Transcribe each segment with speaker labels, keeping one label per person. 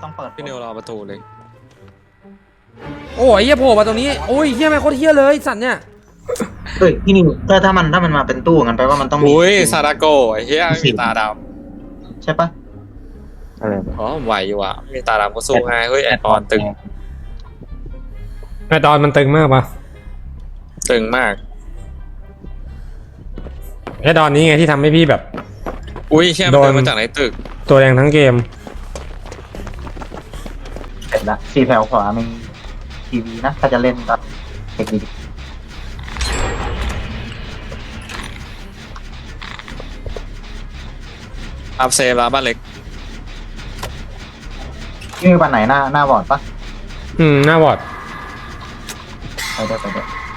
Speaker 1: ต้องเปิด
Speaker 2: พี่นิวรอประตูเลย
Speaker 3: โอ้ยเฮียโผล่มาตรงนี้โอ้ยเฮียแม่งโคตรเฮียเลยสัตว์เนี่ย
Speaker 1: เฮ้ยพี่นิวถ้ามันมาเป็นตู้งั้นแปลว่ามันต้องมี
Speaker 2: อุ้ยซาดาโกไอ้เหี้ยมีตาด
Speaker 1: ใช่ปะ
Speaker 4: อะไร
Speaker 2: ำอ๋อไหวอยู่อ่ะมีตาดำก็สู้ง่ายเฮ้ยแอดออนตึง
Speaker 3: ไอตอนมันตึงมากปะ
Speaker 2: ตึงมาก
Speaker 3: ไอตอนนี้ไงที่ทำให้พี่แบบ
Speaker 2: อุ้ยเชี่ยมันเดินมาจากไหนตึก
Speaker 3: ตัวแดงทั้งเกม
Speaker 1: เสร็จละ4แถวขวามีทีวีนะถ้าจะเล่นก็เทคนิค
Speaker 2: อัพเซฟแล้วบ้านเล็ก
Speaker 1: พี่มีปันไหนหน้าบอร์ดปะ
Speaker 3: หน้าวอร์ด
Speaker 1: ไปด้วย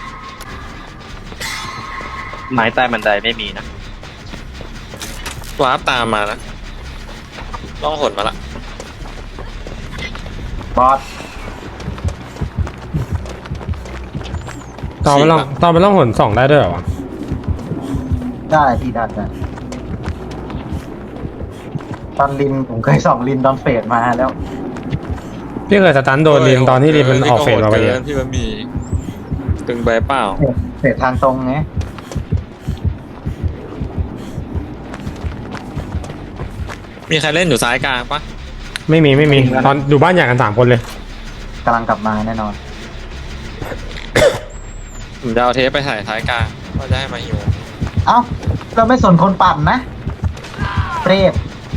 Speaker 4: ไม้ใต้บันไดไม่มีนะ
Speaker 2: วาร์ปตามมานะต้องหดมาละ
Speaker 1: บอส
Speaker 3: ตอนมันล่องหนส่องได้ด้วยเหรอวะ
Speaker 1: ได้พี่ได้ตอนลินผมเคยส่องลินตอนเฟดมาแล้ว
Speaker 3: พี่เคยสตันโดนลินตอนที่ลินมันออกเฟสมาไป
Speaker 2: เกิ
Speaker 3: เย
Speaker 2: นพี่มันมีตึงไปเปล่า
Speaker 1: เฟดทางตรงไง
Speaker 2: มีใครเล่นอยู่ซ้ายกลางปะ
Speaker 3: ไม่มีตอนอยู่บ้านอย่างกัน3 คนเลย
Speaker 1: กำลังกลับมาแน่นอน
Speaker 2: ผมจะเอาเทปไปถ่ายท้ายกลางก็จะให้มาฮิว
Speaker 1: เอ้าเราไม่สนคนปั่นนะเปรต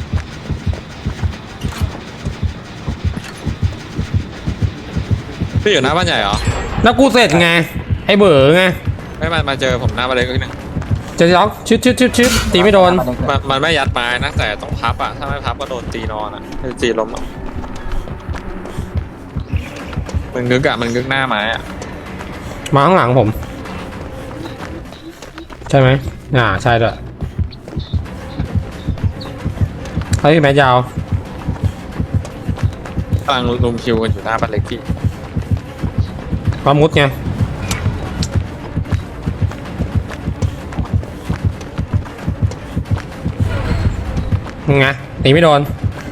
Speaker 2: พี่อยู่หน้าบ้านใหญ่เหรอ
Speaker 3: แล้วกูเสร็จไงไอเบ๋อไง
Speaker 2: ไม่มาเจอผมหน้าบ้านเล็กนิดนึง
Speaker 3: จะล็อกชึดตีไม่โดน
Speaker 2: มันไม่ยัดไม้นะแต่ต้องพับอ่ะถ้าไม่พับก็โดนตีนอนอ่ะตีล้มอ่ะมันงึกอ่ะมันงึกหน้าไม้อ่ะ
Speaker 3: มาข้างหลังผม ใช่ไหมใช่ด้วยเฮ้ยแมสยาว
Speaker 2: กำลังลุมคิวกันอยู่หน้าบ้านเล็กพี่
Speaker 3: ปามุดไงไงตีไม่โดน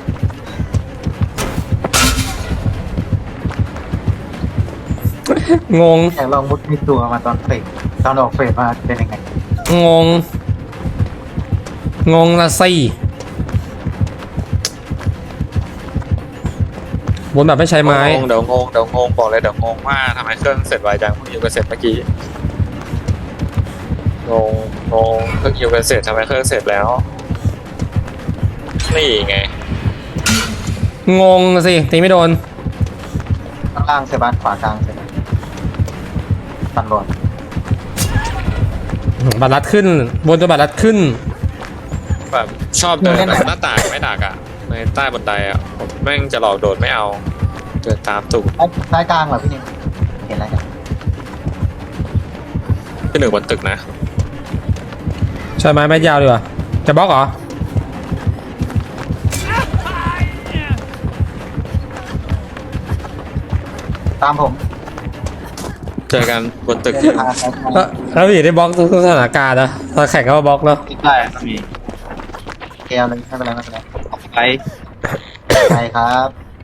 Speaker 3: งง
Speaker 1: อยากลองมุดในตัวมาตอนเฟดตอนออกเฟดมาเป็นยังไง
Speaker 3: งงละสิบนแบบไม่ใช้ไม้
Speaker 2: เดี๋ยวงงบอกเลยเดี๋ยวงงว่าทำไมเครื่องเสร็จไวจังเพิ่งยิวกันเสร็จเมื่อกี้งเพิ่งยิวกันเสร็จทำไมเครื่องเสร็จแล้วนี่ไง
Speaker 3: งงละสิตีไม่โดน
Speaker 1: ข้างล่างเซบานขวากลางเซบานปั่นบอล
Speaker 3: บัตรลัดขึ้น บนตัวบัตรลัดขึ้น
Speaker 2: แบบชอบเดินแบบหน้าต่างไม่ดักอ่ะในใต้บันไดอ่ะผมแม่งจะหลอกโดดไม่เอาเดินตามตูด
Speaker 1: ซ้ายกลางเหรอพี่นิวเห็นอะไรกัน
Speaker 2: ที่หนึ่งบนตึกนะ
Speaker 3: ใช้ไม้แม่ยาวดีกว่าจะบล็อกเหรอ
Speaker 1: ตามผม
Speaker 2: เจอกันบนตึก
Speaker 3: แล้วพี่ได้บล็อกทุกสถานการณ์นะตอนแข่งก็บล็อกแล้ว
Speaker 4: ใต้ก็มี
Speaker 1: เกลเลยไม่เป็นไร
Speaker 4: ออกไป
Speaker 1: ใช่ครับ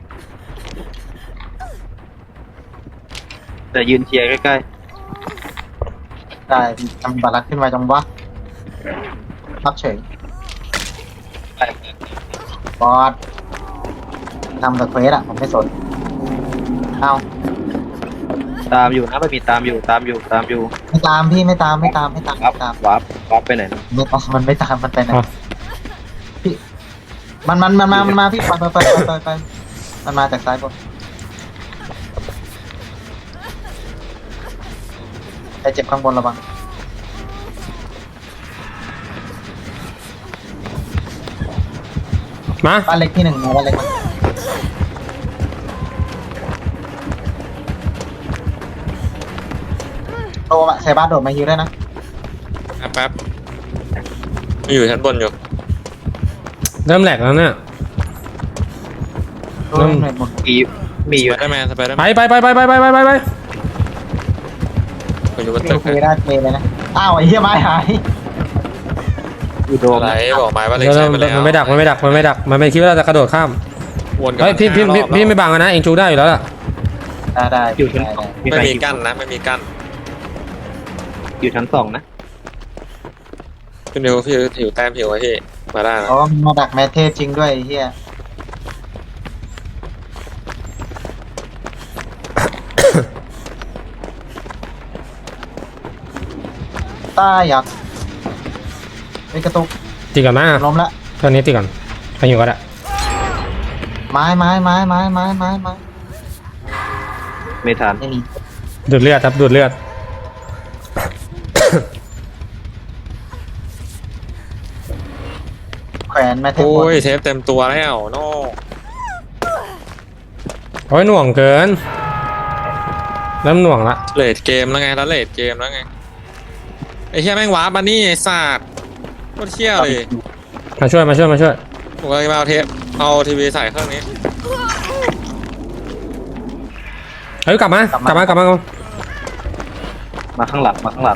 Speaker 4: แต่ยืนเชียร์ใกล้
Speaker 1: ได้ทำบัตรลัดขึ้นมาจังวะรับเฉย
Speaker 4: ๆไป
Speaker 1: บอสทำแต่เควสอะผมไม่สนเอา
Speaker 4: ตามอยู่นะมันมีตามอยู่
Speaker 1: ไม่ตามพี่ไม่ตาม
Speaker 4: วับไปไหนนะ
Speaker 1: มันไม่ตามมันไปไหนพี่มันมาพี่ไปมันมาจากซ้ายบนไอเจ็บข้างบนระวัง
Speaker 3: มา
Speaker 1: บ้านเล็กที่ 1มาบ้านเล็กมาโตมาใส่บ้านโดดมาฮิวได้นะ
Speaker 2: แป๊บอยู่ชั้นบนอยู่
Speaker 3: เริ่มแหลกแล้วเนี่ย
Speaker 1: โดดหน่อยหมด
Speaker 4: มีอยู่
Speaker 2: สไปเดอร์แมน
Speaker 3: ไป
Speaker 2: ไปอยู่บนตึก
Speaker 1: เคได้เพลเลยนะอ้าวไอ้เหี้ยไม้หาย
Speaker 4: อยู่โดม
Speaker 2: อะไรบอกไม้ว่าเล็ก
Speaker 3: แล้ว
Speaker 2: ใช้ไปแล้ว
Speaker 3: มันไม่ดักมันไม่คิดว่าเราจะกระโดดข้าม
Speaker 4: โอ้
Speaker 2: วนกับ
Speaker 3: เฮ้ยพี่
Speaker 2: 5 รอบ
Speaker 3: ไม่บังนะเองจูได้อยู่แล้วล่ะ
Speaker 1: ได้
Speaker 4: อยู่ชั้น
Speaker 1: ได้
Speaker 4: สอง
Speaker 2: ไม่
Speaker 4: ใคร
Speaker 2: มีกั้นนะไม่มีกั้น
Speaker 4: อยู่ชั้นสองนะ
Speaker 2: พี่นิวพี่ผิวแต้มผิวไว้พี่มาได้นะ
Speaker 1: เพราะว่ามันมาดักแมทเทสจริงด้วยไอ้เฮีย ต้าอยากไปกระตุก
Speaker 3: ตีก่อนมา
Speaker 1: ล้มละ
Speaker 3: ตอนนี้ตีก่อนใครอยู่ก็ได้
Speaker 1: ไม้
Speaker 4: ไม่ทัน
Speaker 1: ไม่มี
Speaker 3: ดูดเลือดครับดูดเลือด
Speaker 1: แขวนแมทเทส
Speaker 2: โอ้ยเทปเต็มตัวแล้วโน่
Speaker 3: โอ้ยหน่วงเกินเริ่มหน่วงละ
Speaker 2: เลดเกมแล้วไงแล้วเลดเกมแล้วไงไอ้เหี้ยแม่งวาร์ปมานี่ไอ้สัตว์โคตรเชี่ยเลย
Speaker 3: มาช่วย
Speaker 2: ผมเลยมาเอาเทปเอาทีวีใส่เครื่องนี้
Speaker 3: เฮ้ยกลับมา
Speaker 4: มาข้างหลังมาข้างหลัง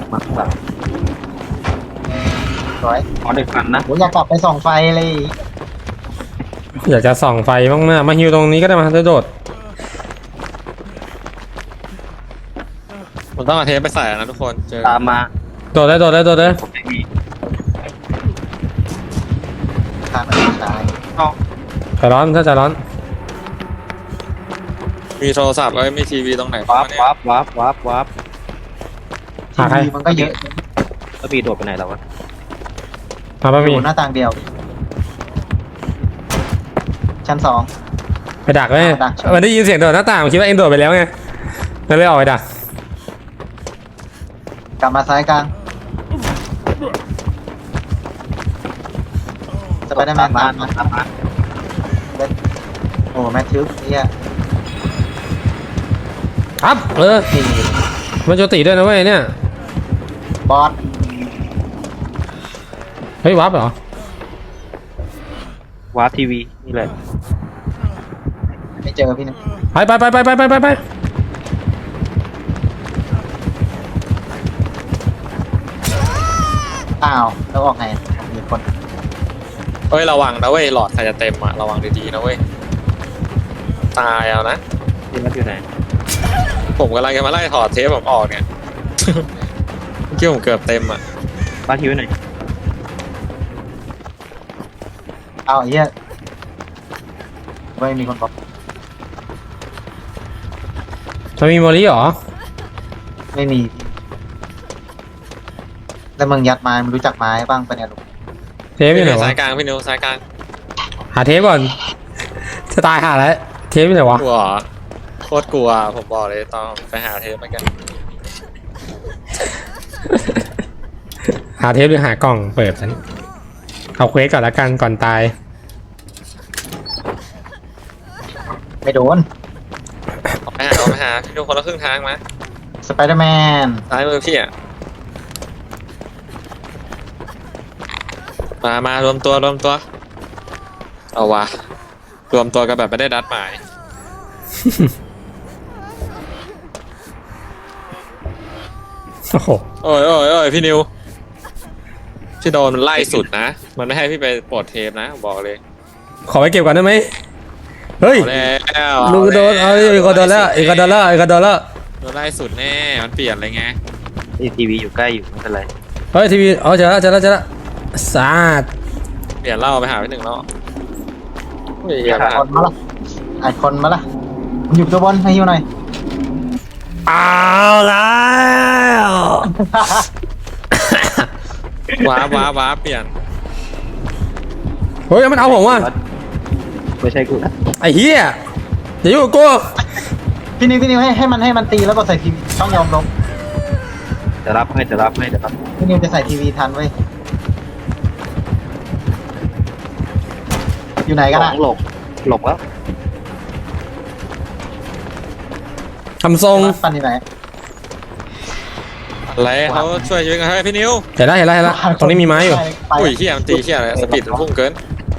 Speaker 1: สวย
Speaker 4: ขอเด็กฟันนะ
Speaker 1: ผมอยากกลับไปส่องไฟเลย
Speaker 3: อยากจะส่องไฟบ้างมาฮิวตรงนี้ก็ได้มาจะโดด
Speaker 2: ผมต้องเอาเทปไปใส่นะทุกคนเจอ
Speaker 4: ตามมา
Speaker 3: โดดเลย
Speaker 4: ผมไม่มี
Speaker 1: ทางมันตาย
Speaker 3: ใจร้อนถ้าใจร้อน
Speaker 2: มีโทรศัพท์เอ้ยมีทีวีตรงไหน
Speaker 4: วาร์ป
Speaker 2: เนี่ย
Speaker 4: วาร์ปวาร์ปวาร์ปวาร์ป
Speaker 3: หาใคร
Speaker 1: ทีวีมันก็เยอะ
Speaker 4: แล้วบีโดดไปไหนแล้ววะ
Speaker 3: มาบะห
Speaker 1: อ
Speaker 3: มี่
Speaker 1: ยู่หน้าต่างเดียว ชั้น 2
Speaker 3: ไปดักเลย
Speaker 1: ดัก
Speaker 3: มันได้ยินเสียงโดดหน้าต่างผมคิดว่าเองโดดไปแล้วไงมันเลยออกไปดัก
Speaker 1: กลับมาซ้ายกลางสไปเดอร์แมนตามมา
Speaker 4: ตามมา
Speaker 1: โอ้แมทธิวเนี่ย
Speaker 3: ครับมันโจตีด้วยนะเว้ยเนี่ย
Speaker 1: บอส
Speaker 3: เฮ้ยวับเหรอ
Speaker 4: วาร์ปทีวีนี่แหละ
Speaker 1: ไม่เจอพี่นะ
Speaker 3: ไป
Speaker 1: อ้าวแล้วออกไงมีคน
Speaker 2: เอ้ยระวังนะเว้ยหลอดใครจะเต็มอะระวังดีๆนะเว้ยตายเอานะ
Speaker 4: ที่มันอยู่ไหน
Speaker 2: ผมกำลังจะมาไล่ถอดเทปผมออกเนี่ย เมื่อกี้ผมเกือบเต็มอะ
Speaker 4: วาร์ปทีวีไหน
Speaker 1: อ้าวไอ้เหี้ยไม่มีคนบอก
Speaker 3: มันมีโมลี่เหรอ
Speaker 1: ไม่มี แล้วมึงยัดไม้มึงรู้จักไม้บ้างปะเนี่ยลูก
Speaker 3: เทปอยู่ไหนวะ
Speaker 2: สายกลางพี่นิวสายกลาง
Speaker 3: หาเทปก่อนจะตายหาแล้วเทปอยู่ไหนวะ
Speaker 2: กลัวเหรอโคตรกลัวผมบอกเลยตอนไปหาเทปเหมือนกัน
Speaker 3: หาเทปหรือหากล่องเปิดฉันเอาเควสก่อนละกันก่อนตาย
Speaker 1: ไม่โดน
Speaker 2: ออกไปหาพี่นิวคนละครึ่งทางมา
Speaker 1: สไปเดอร์แมน
Speaker 2: ซ้ายมือพี่อะมารวมตัวเอาวะรวมตัวกันแบบไม่ได้นัดหมาย
Speaker 3: โอ้โห
Speaker 2: โอ้ยพี่นิวพี่โดนมันไล่สุดนะ มันไม่ให้พี่ไปปลดเทปนะผมบอกเลย
Speaker 3: ขอไปเก็บก่อนได้ไหมเฮ้ย
Speaker 2: เอาแล้ว
Speaker 3: ลูกโดนเอาอีกคนโดนแล้วอีกคนโดนแล้ว
Speaker 2: โดนไล่สุดแน่มันเปลี่ยนอะไรไง
Speaker 4: นี่ทีวีอยู่ใกล้อยู่ไม่เป็นไร
Speaker 3: เฮ้ยทีวีเอาเจอแล้วสาด
Speaker 2: เปลี่ยนเหล่าไปหาพี่หนึ่งแล้วเฮ้ย
Speaker 1: อัดคนมาละอัดคนมาละมึงอยู่ตัวบนให้ฮิวหน่อย
Speaker 3: เอาแล้ว
Speaker 2: ว้าเปลี่ยน
Speaker 3: เฮ้ยมันเอาผมว่ะ
Speaker 4: ไม่ใช่กูนะ
Speaker 3: ไอ้เหี้ยอย่ายุ่งกับกู
Speaker 1: พี่นิวให้มันตีแล้วก็ใส่ทีวีต้องยอมลง
Speaker 4: จะรับให้
Speaker 1: พี่นิวจะใส่ทีวีทันเว้ยอยู่ไหนกันอะ
Speaker 4: หลบแล้ว
Speaker 3: ทำทรง
Speaker 1: ปันอยู่ไหน
Speaker 2: อะไรเขาช่วยชีวิตกันให้พี่นิว
Speaker 3: เห็นแล้วตรงนี้มีไม้อยู่
Speaker 1: ไป
Speaker 2: อุ้ยเฮียมันตีเฮียอะไรสปีดมันพุ่งเกิน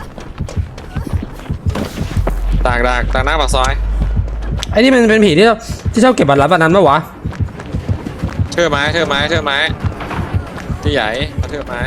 Speaker 2: ตากหน้าปากซอย
Speaker 3: ไอ้นี่มันเป็นผีที่ชอบเก็บบัตรลับบัตรนั้นปะวะ
Speaker 2: เทื่อไม้ที่ใหญ่มาเทื่อไม้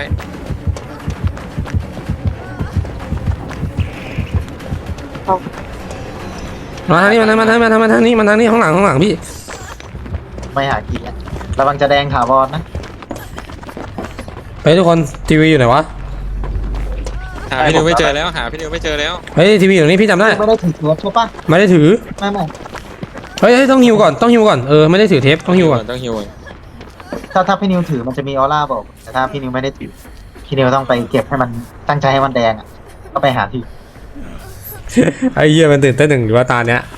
Speaker 3: มาทางนี้มาทางนี้มาทางนี้ข้างหลังพี่
Speaker 1: ไม่หากินอะระวังจะแดงถาวรนะ
Speaker 3: ไปทุกคนทีวีอยู่ไหนวะ
Speaker 2: หาพี่นิวไม่เจอแล้วหาพี่นิวไม่เจอแล้ว
Speaker 3: เฮ้ยทีวีอยู่นี่พี่จำได้
Speaker 1: ไม่ได้ถือตัวใช่ปะ
Speaker 3: ไม่ได้ถือ
Speaker 1: ไม่
Speaker 3: เฮ้ยต้องฮิวก่อนไม่ได้ถือเทปต้องฮิวก่อน
Speaker 2: ต้องฮิวก่อน
Speaker 1: ถ้าพี่นิวถือมันจะมีออร่าบอกแต่ถ้าพี่นิวไม่ได้ถือพี่นิวต้องไปเก็บให้มันตั้งใจให้มันแดงอ่ะก็ไปหาที่
Speaker 3: ไอ้เหี้ยมันตื่นเต้นหนึ่งหรือว่าตาเนี้ย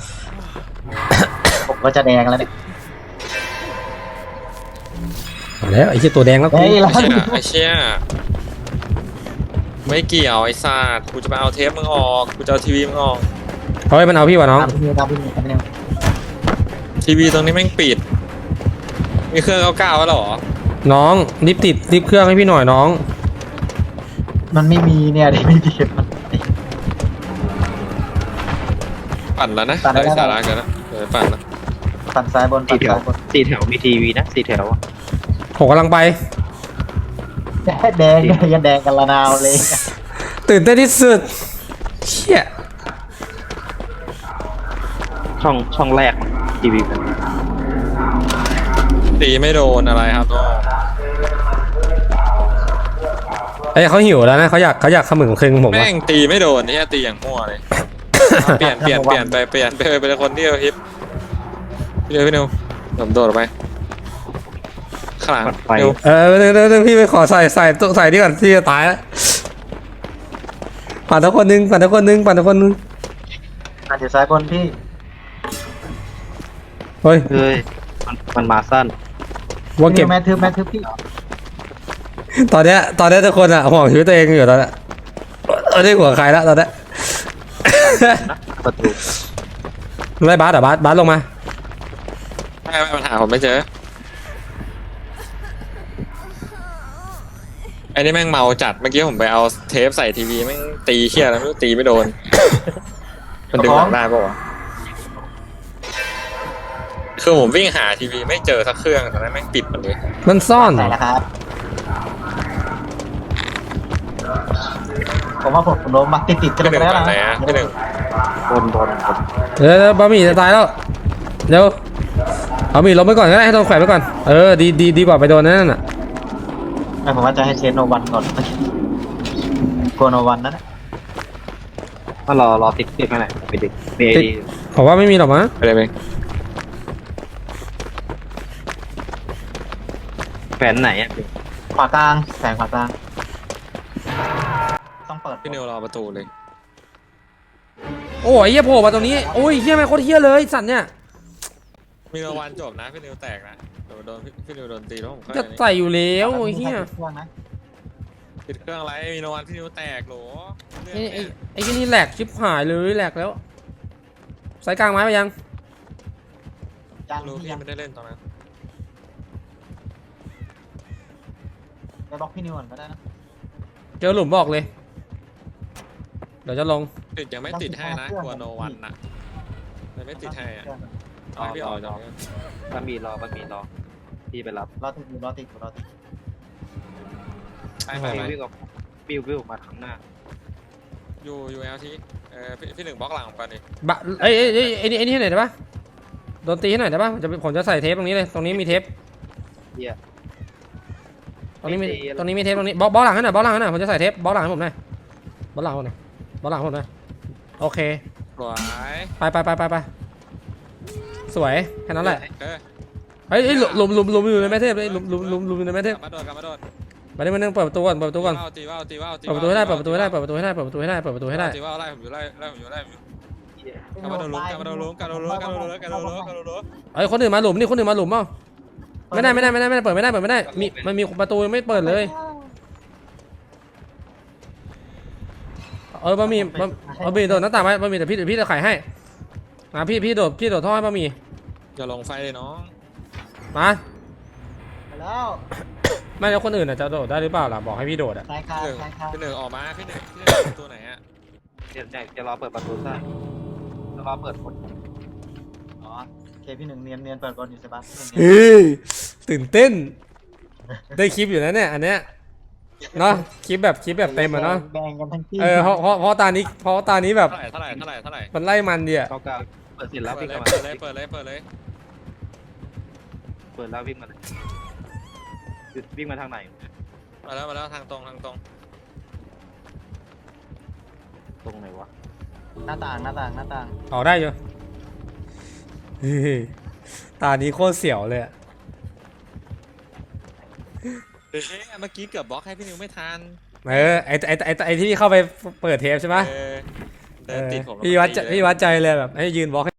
Speaker 1: ผมก็จะแดงแล้วเนี่ย
Speaker 3: เอาแล้วไอ้เหี้ยตัวแดงแล้วกู
Speaker 1: เฮ้ย
Speaker 2: ไอ้เชี่ยไม่เกี่ยวไอ้สัตว์กูจะไปเอาเทปมึงออกกูจะเอาทีวีมึงออก
Speaker 3: เฮ้ยมันเอาพี่วะน้อง
Speaker 1: ตามพี่นิวตามพี่นิวตามพี่นิว
Speaker 2: ทีวีตรงนี้แม่งปิดมีเครื่องเก้าแล้วเหรอ
Speaker 3: น้องรีบเครื่องให้พี่หน่อยน้อง
Speaker 1: มันไม่มีเนี่ยที่ไม่ดีมัน
Speaker 2: ปั่นแล้วนะ
Speaker 1: ปั่นแล้ว
Speaker 2: ได้สาระกันนะเดี๋ยวปั่นนะ
Speaker 1: ปั่นซ้ายบน
Speaker 4: สี่
Speaker 1: ปั่น
Speaker 4: แถว
Speaker 1: ซ้ายบน
Speaker 4: สี่แถวมีทีวีนะสี่แถวอะ
Speaker 3: ผมกำลังไป
Speaker 1: แดงยังแดงกันละนาวเลย
Speaker 3: ตื่นเต้นที่สุดเชี่ย
Speaker 4: ช่องแรกทีวีกัน
Speaker 2: ตีไม่โดนอะไรครับน้อง
Speaker 3: ไอ้ยเขาหิวแล้วนะเขาอยากขมึงคึงผม
Speaker 2: แม่
Speaker 3: วะ
Speaker 2: งตีไม่โดนนี่ตีอย่างมั่วเลย เปลี่ยนไปเป็นคนที่เราฮิปพี่นิวผมโดดออกไปข้างหลังนิว
Speaker 3: เดี๋ยวพี่ไปขอใส่นี่ก่อนที่จะตายแล้วปั่นทุกคนนึง
Speaker 1: ปั่นอยู่ซ้ายบนพี่
Speaker 3: เฮ้ย
Speaker 4: เฮ้ยมันมาสั้น
Speaker 3: ว่า
Speaker 1: พี่
Speaker 3: เก็
Speaker 1: นิ
Speaker 3: บ
Speaker 1: วแมททึบพี่
Speaker 3: ตอนเนี้ยทุกคนอะห่วงชีวิตตัวเองอยู่ตอนเนี้ยไม่ได้ห่วงใครแล้วตอนเนี้ย
Speaker 4: นะประตู
Speaker 3: ไล่บาสเหรอบาสลงมา
Speaker 2: ไม่ปัญหาผมไม่เจอไอ้นี่แม่งเมาจัดเมื่อกี้ผมไปเอาเทปใส่ทีวีแม่งตีเชี่ยแล้วไม่รู้ตีไม่โดน มันดึงหลังได้ปะวะคือผมวิ่งหาทีวีไม่เจอสักเครื่องตอนนั้นแม่งปิดหมดเลย
Speaker 3: มันซ่อน
Speaker 1: ใส่แล้วครับผมว่าผมโดนมาติดกัน
Speaker 2: พี่ห
Speaker 1: ไป
Speaker 2: นึ่ง
Speaker 1: แล้ว
Speaker 2: ปั่น
Speaker 1: นะ
Speaker 2: ไหนอะพี่หนึ่ง
Speaker 4: บน
Speaker 3: เดี๋ยวบะหมี่จะตายแล้วเดี๋ยวเอาหมี่ลงไปก่อนก็ได้ให้โดนแขวนไปก่อนดีกว่าไปโดนนั่นน่ะ
Speaker 1: ไม่ผมว่าจะให้เชนโนวันก่อนโกโนวันนั่น
Speaker 4: มารอติดกันหน่อยไปดิมีไอดี
Speaker 3: ผมว่าไม่มีหรอกมั้ง
Speaker 2: ไปเลยไหม
Speaker 4: แฟนไหนอ่ะ
Speaker 1: ขวากลางแสงขวากลางต้องเปิด
Speaker 2: พี่นิวรอประตูเลย
Speaker 3: โอ้ยเฮียโผล่มาตรงนี้โอ้ยเฮียไม่โคตรเฮียเลยสัตว์เนี่ย
Speaker 2: มีรางวัลจบนะพี่นิวแตกนะโดนพี่นิวโดนตีแล้วผมค่อย
Speaker 3: จะใส่อยู่แล้วไอ้เฮีย
Speaker 1: เครื่องนะ
Speaker 2: ปิดเครื่องอะไรมีรางวัลพี่นิวแตกโหล
Speaker 3: ไอ้ที่นี่แหลกชิบหายเลยแหลกแล้วสายกลางไม้ไปยัง
Speaker 1: ยัง
Speaker 2: รู้
Speaker 1: พี่
Speaker 2: พี่
Speaker 1: ยัง
Speaker 2: ไม่ได้เล่นตอนนั้น
Speaker 1: ไปบล็อกพี่นิวก่อนก็ได้นะ
Speaker 3: เจอหลุมบอกเลยเดี๋ยวจะลง
Speaker 2: ติดยังไม่ติดให้นะกลัวโนวันนะยังไม่ติดให้อ่ะเอาให้พี่ออกจากนี้
Speaker 4: บะหมี่รอพี่ไปรับ
Speaker 1: รอติด
Speaker 2: ไป
Speaker 4: วิ่งออกวิวมาข้างหน้า
Speaker 2: อยู่เอลทีพี่หนึ่งบล็อกหลังผมก่อนดิ
Speaker 3: บะไอ้นี่ให้หน่อยได้ปะโดนตีให้หน่อยได้ปะผมจะใส่เทปตรงนี้เลยตรงนี้มีเทป
Speaker 4: เฮีย
Speaker 3: ตรงนี้มี
Speaker 4: ไม่ตีแล้ว
Speaker 3: ตรงนี้มีเทปตรงนี้บล็อกหลังให้หน่อยบล็อกหลังให้หน่อยผมจะใส่เทปบล็อกหลังให้ผมหน่อยบล็อกหลังให้ผมหน่อยบล็อกหลังให้ผมหน่อยโอเค
Speaker 2: สวย
Speaker 3: ไปสวยแค่นั้นแหละ
Speaker 2: เออ
Speaker 3: เฮ้ยหลุมอยู่ในแม่เทพเลยหลุมอยู่ในแม่เทพ
Speaker 2: กลับมาโดด
Speaker 3: มาได้มานั่งเปิดประตูก่อนเปิดประตูก่อน
Speaker 2: ตีว่าว
Speaker 3: เปิดประตูให้ได้เปิดประตูให้ได้เปิดประตูให้ได้เปิดประตูให้ได้เปิดประตูให้ได้
Speaker 2: ตีว่าวไล่ผมอยู่ไล่ผมอยู่
Speaker 4: เหี้ย
Speaker 2: กลับมาโดนลุ้มกลับมาโดนลุ้ม
Speaker 3: เอ้ยคนอื่นมาหลุมนี่คนอื่นมาหลุมเปล่าไม่ได้เปิดไม่ได้มันมีประตูไม่เปิดเลยบะหมี่โดดหน้าต่างไว้บะหมี่แต่พี่จะไขให้พี่โดดท่อให้บะหมี่
Speaker 2: อย่าลงไฟเลยน้อง
Speaker 3: มา
Speaker 1: แล้ว
Speaker 3: ไม่แล้วคนอื่นจะโดดได้หรือเปล่าล่ะบอกให้พี่โดดอ่ะ
Speaker 1: สายคาสายคา
Speaker 2: พี่หนึ่งออกมาพี่หนึ่งตัวไหนอ่ะ
Speaker 4: เดี๋ยวจะรอเปิดประตูซ่าจะรอเปิดคน
Speaker 1: อ๋อเคพี่หนึ่งเนียนเปิดบอลอยู่ใช่ปะ
Speaker 3: เฮ้ยตื่นเต้นได้คลิปอยู่นะเนี่ยอันเนี้ยเนาะคลิปแบบเต็มอะเนาะ
Speaker 1: แบ่งกันทั้งที่
Speaker 3: เพราะตานี้แบบ
Speaker 2: เท่าไหร่
Speaker 3: มันไล่มันเดีย
Speaker 4: เก้าเก้าเปิดเสร็จแล้ว
Speaker 2: เปิ
Speaker 4: วิ่
Speaker 2: ด
Speaker 4: ง
Speaker 2: เลย
Speaker 4: มา
Speaker 2: เปิดเลย
Speaker 4: เปิดแล้ววิ่งมาเลยวิ่งมาทางไหน
Speaker 2: มาแล้วทางตรง
Speaker 4: ตรงไหนวะ
Speaker 1: หน้าต่าง
Speaker 3: ออกได้อยู่เฮ้ยตานี้โคตรเสียวเลยอะ
Speaker 2: เมื่อกี้เกือบบล็อกให้พี่นิวไม่ทัน
Speaker 3: ไอที่พี่เข้าไปเปิดเทปใช่ไหม
Speaker 2: เดินติดผม
Speaker 3: พี่วัดใจเลยแบบให้ยืนบล็อก